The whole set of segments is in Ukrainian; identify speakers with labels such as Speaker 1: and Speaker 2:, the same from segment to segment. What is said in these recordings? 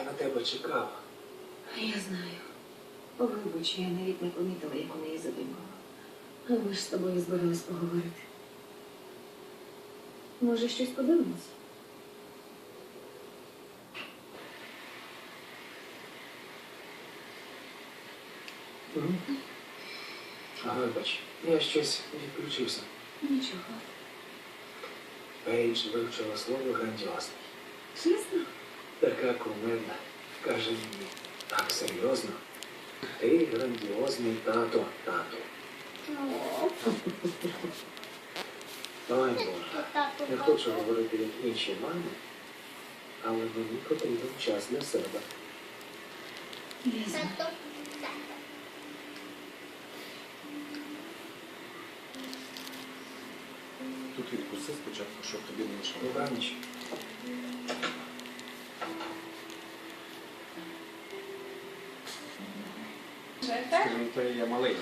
Speaker 1: на тебе чекала.
Speaker 2: Я знаю. Вибач, я навіть не помітила, як у неї задумала. А ми ж з тобою збирались поговорити. Може, щось подивимось?
Speaker 1: Вибач, я щось відключився.
Speaker 2: Нічого.
Speaker 1: Пейдж вивчила слово грандіозний.
Speaker 2: Чесно?
Speaker 1: Така кумедна. Каже мені, так серйозно. Ти грандіозний тато, тату. Ой, Боже, не хочу говорити як інші мами, але мені потрібен час для себе.
Speaker 2: Я знаю.
Speaker 3: Тут відкуси спочатку, щоб тобі не мішало.
Speaker 1: Добраніч.
Speaker 3: Скажімо, то я малий.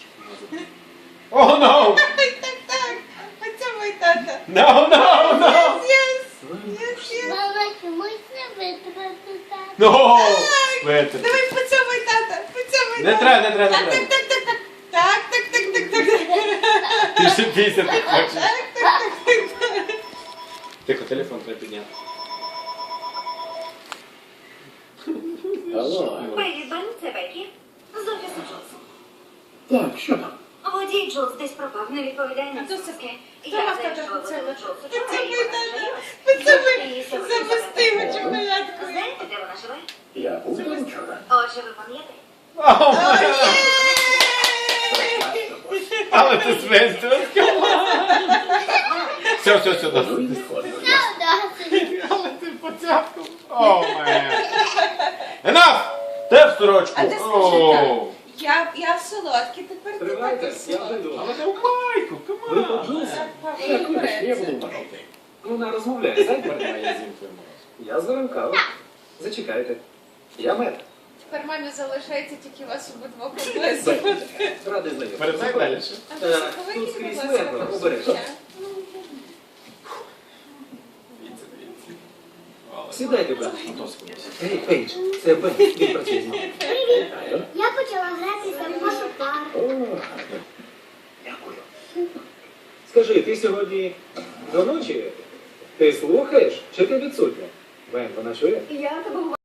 Speaker 3: О, no!
Speaker 4: Так. Поцьомай тата.
Speaker 3: No, no, no!
Speaker 5: Мама, чомусь не витратити так.
Speaker 3: No! Витер.
Speaker 4: Давай поцьомай тата. Поцьомай
Speaker 3: Не
Speaker 4: тата.
Speaker 3: треба.
Speaker 4: Так.
Speaker 3: Ти ще пісяти хочеш. Тихо, телефон треба підняти.
Speaker 1: Алло.
Speaker 6: Привіт, Бен, це Бекі. З офісу Джонсу.
Speaker 1: Так, що там?
Speaker 6: Водій Джонс десь пропав, не відповідає на
Speaker 4: А то
Speaker 6: зв'язки.
Speaker 4: Хто
Speaker 6: Я
Speaker 4: вас
Speaker 6: зайшла
Speaker 4: тата
Speaker 6: до
Speaker 4: поцьомай?
Speaker 6: Джонсу.
Speaker 4: Поцьомай тата. Поцьомай. Запусти його чоколядкою.
Speaker 6: Знаєте, де вона живе?
Speaker 1: Я був там вчора.
Speaker 6: Отже, ви пам'ятаєте?
Speaker 3: О, але ти свинство. Все, досить. Але ти поцяпку. О, мен. Enough! Те в сорочку.
Speaker 4: А ти скажи
Speaker 3: О.
Speaker 4: так. Я в солодкі, тепер ти
Speaker 1: Тривайте,
Speaker 4: такий
Speaker 1: я
Speaker 4: солодкий.
Speaker 1: веду.
Speaker 3: Але ти в майку,
Speaker 1: Ви
Speaker 3: камон.
Speaker 1: почулися?
Speaker 4: Так,
Speaker 1: Так, вибач, я
Speaker 4: папа,
Speaker 1: буду бачити. Вона розмовляє, знаєте?
Speaker 3: Я зім твою морозку.
Speaker 1: Я заварив каву. Зачекайте. Я мед.
Speaker 4: Тепер мамі залишається тільки вас обидвох облизу.
Speaker 1: Радий знайомитися.
Speaker 3: Передай далі.
Speaker 4: А ви соковиті,
Speaker 1: Тут
Speaker 4: будь
Speaker 1: скрізь
Speaker 4: ласка,
Speaker 1: легко, обережно.
Speaker 4: послухайте.
Speaker 3: Дивіться.
Speaker 1: Сідайте, брат.
Speaker 3: Господи.
Speaker 1: Ей, Пейдж, це Бен, він працює з нами. Вітаю.
Speaker 5: Я почала гратися в вашу пару.
Speaker 1: О, гарно. Дякую. Скажи, ти сьогодні до ночі? Ти слухаєш, чи ти відсутня? Бен, вона чує?
Speaker 2: Я тебе